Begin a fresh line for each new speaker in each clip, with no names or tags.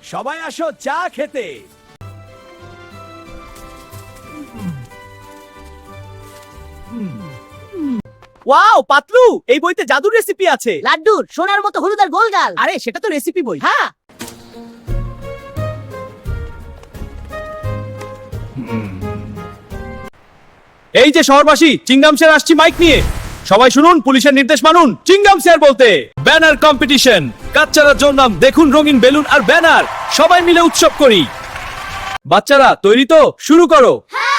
সবাই আসো চা খেতে। ওয়াও পাতলু, এই বইতে জাদুর রেসিপি আছে।
লাড্ডুর সোনার মতো হলুদ আর গোলগাল।
আরে সেটা তো রেসিপি বই।
হ্যাঁ,
এই যে শহরবাসী, চিংগাম স্যার আসছি মাইক নিয়ে। সবাই শুনুন, পুলিশের নির্দেশ মানুন। চিংগাম স্যার বলতে ব্যানার কম্পিটিশন। বাচ্চারা জন্মাম, দেখুন রঙিন বেলুন আর ব্যানার, সবাই মিলে উৎসব করি। বাচ্চারা তৈরি তো? শুরু করো।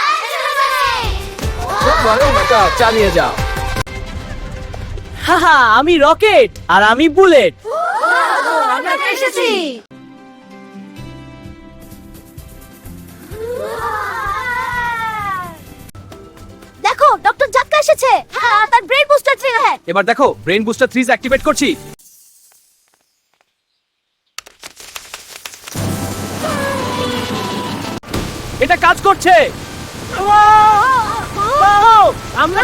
চালিয়ে যাও।
হাহা, আমি রকেট আর আমি বুলেট।
আমরা এসেছি। দেখো ডক্টর জাক্কা এসেছে। হ্যাঁ, তার ব্রেন বুস্টার ট্রি হ্যাঁ।
এবার দেখো, ব্রেন বুস্টার 3 অ্যাক্টিভেট করছি। এটা কাজ করছে।
আমরা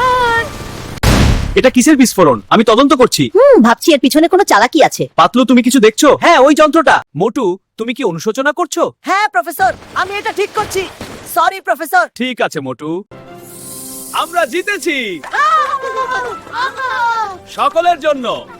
এটা কিসের বিস্ফোরণ? আমি তদন্ত করছি।
ভাবছি এর পিছনে কোনো চালাকি আছে।
পাতলু, তুমি কিছু দেখছো? হ্যাঁ, ওই যন্ত্রটা। মোটু, তুমি কি অনুশোচনা করছো?
হ্যাঁ প্রফেসর, আমি এটা ঠিক করছি। Sorry professor.
ঠিক আছে মোটু, আমরা জিতেছি। সকলের জন্য